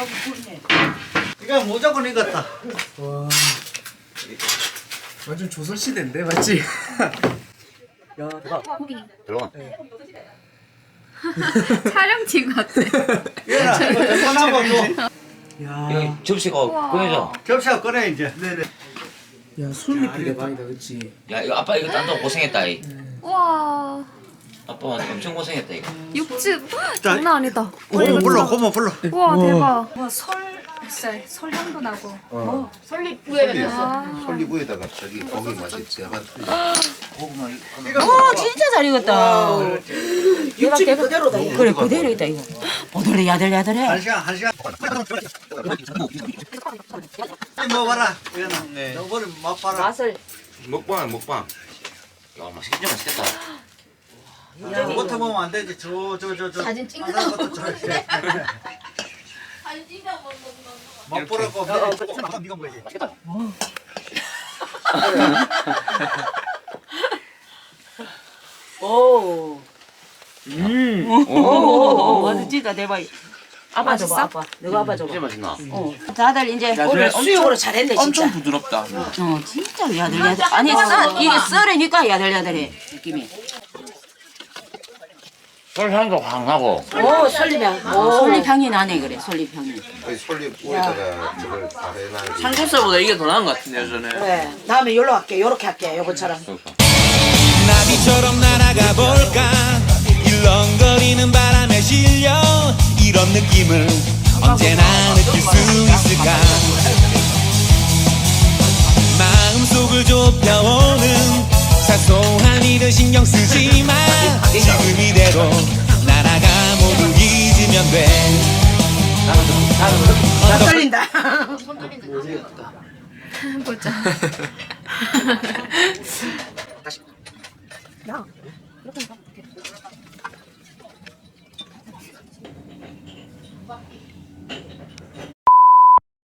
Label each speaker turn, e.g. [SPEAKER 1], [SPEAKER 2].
[SPEAKER 1] 이거 무조건 익었다.
[SPEAKER 2] 와. 완전 조선시대인데 맞지? 야 대박.
[SPEAKER 3] 들어가.
[SPEAKER 4] 촬영팀 같아.
[SPEAKER 1] 얘나 이거 전화하고 줘.
[SPEAKER 2] 야.
[SPEAKER 3] 여기 접시가 꺼내줘.
[SPEAKER 1] 접시하고 꺼내 이제.
[SPEAKER 2] 네네. 야 술잎이 대박이다 그치?
[SPEAKER 3] 야 이거 아빠 이거 딴다고 고생했다 이.
[SPEAKER 4] 와.
[SPEAKER 3] 아빠 엄청 고생했다 이거.
[SPEAKER 4] 육즙 장난 아니다.
[SPEAKER 1] 고모 불러, 고모 불러.
[SPEAKER 4] 우와 대박.
[SPEAKER 5] 와, 설향도 나고.
[SPEAKER 6] 솔리부에다가 저기 고기 맛이 제가
[SPEAKER 3] 고구마 이거.
[SPEAKER 7] 어 진짜 잘 익었다.
[SPEAKER 2] 육즙이 그대로다. 이거.
[SPEAKER 7] 그래 그대로 있다 이거. 오돌이 야들야들해.
[SPEAKER 1] 한 시간. 먹어봐라. 얘나. 너 머리 맛봐라.
[SPEAKER 7] 맛을.
[SPEAKER 6] 먹방.
[SPEAKER 3] 야 맛있겠다.
[SPEAKER 1] 못해 보면 안 되지. 저.
[SPEAKER 5] 사진 찍는
[SPEAKER 1] 것도 저. 맛보라고. 네가 뭐지?
[SPEAKER 7] 오. 오. 맛있다 대박. 아빠 줘봐 아빠. 너가 아빠 줘봐.
[SPEAKER 3] 진짜 맛있나?
[SPEAKER 7] 다들 이제 오늘 수육으로 잘했네 진짜.
[SPEAKER 2] 엄청 부드럽다.
[SPEAKER 7] 진짜 야들야들. 아니 이게 썰으니까 야들야들해 느낌이.
[SPEAKER 3] 설탕도 확 나고.
[SPEAKER 7] 오 솔잎향. 솔잎향이 나네 그래 솔잎향이.
[SPEAKER 6] 솔리부에다가 저걸 다 해놔야지.
[SPEAKER 2] 삼겹살보다 이게 더 나은 것 같은데요 저는.
[SPEAKER 7] 그래 다음에 요로 할게 요렇게 할게 요거처럼.
[SPEAKER 8] 나비처럼 날아가 볼까 일렁거리는 바람에 실려 이런 느낌을 언제나 느낄 수 있을까 마음속을 좁혀오는 사소한 일을 신경 쓰지 마 지금 이대로 날아가 모두 잊으면 돼
[SPEAKER 7] 떨린다.
[SPEAKER 4] 보자.